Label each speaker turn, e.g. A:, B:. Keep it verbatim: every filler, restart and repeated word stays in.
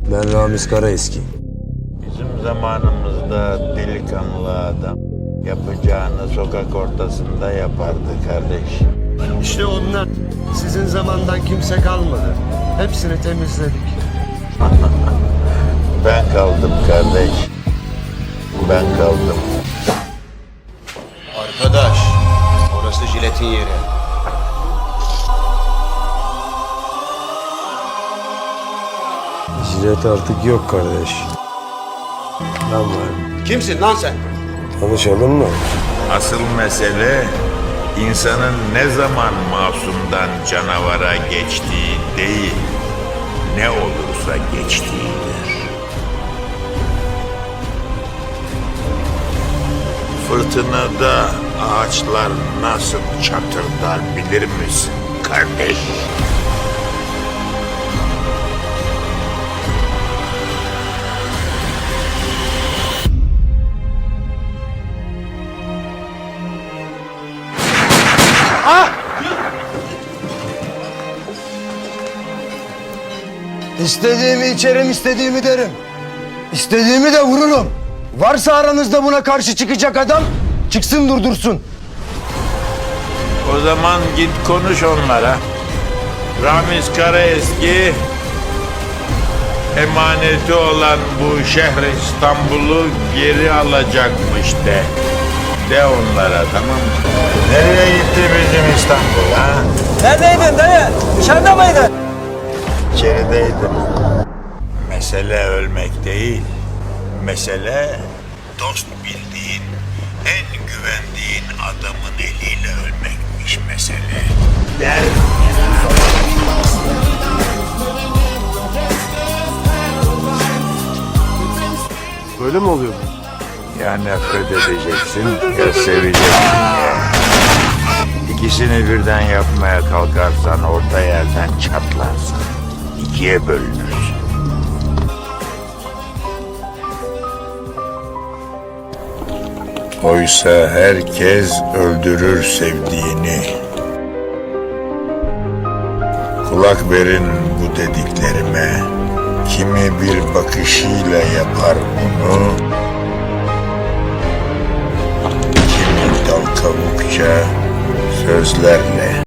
A: Ben Ramiz Karaeski.
B: Bizim zamanımızda delikanlı adam yapacağını sokak ortasında yapardı kardeş.
C: İşte onlar. Sizin zamandan kimse kalmadı. Hepsini temizledik.
B: Ben kaldım kardeş. Ben kaldım.
D: Arkadaş, orası jiletin yeri.
A: Jilet artık yok kardeş. Ben varım.
D: Kimsin lan sen?
A: Tanışalım mı?
B: Asıl mesele insanın ne zaman masumdan canavara geçtiği değil, ne olursa geçtiğidir. Fırtınada ağaçlar nasıl çatırdar bilir misin kardeş?
E: İstediğimi içerim, istediğimi derim. İstediğimi de vururum. Varsa aranızda buna karşı çıkacak adam, çıksın durdursun.
B: O zaman git konuş onlara. Ramiz Karaeski emaneti olan bu şehri İstanbul'u geri alacakmış de. De onlara, tamam mı? Nereye gitti bizim İstanbul ha?
E: Neredeydin dayı? Dışarıda mıydın?
B: İçerideydim. Mesele ölmek değil. Mesele dost bildiğin, en güvendiğin adamın eliyle ölmekmiş mesele. Der.
A: Böyle mi oluyor?
B: Ya nefret edeceksin ya seveceksin ya. İkisini birden yapmaya kalkarsan orta yerden çatlarsın. İkiye bölünürsün. Oysa herkes öldürür sevdiğini. Kulak verin bu dediklerime. Kimi bir bakışıyla yapar bunu, kimi dal kavukça sözlerle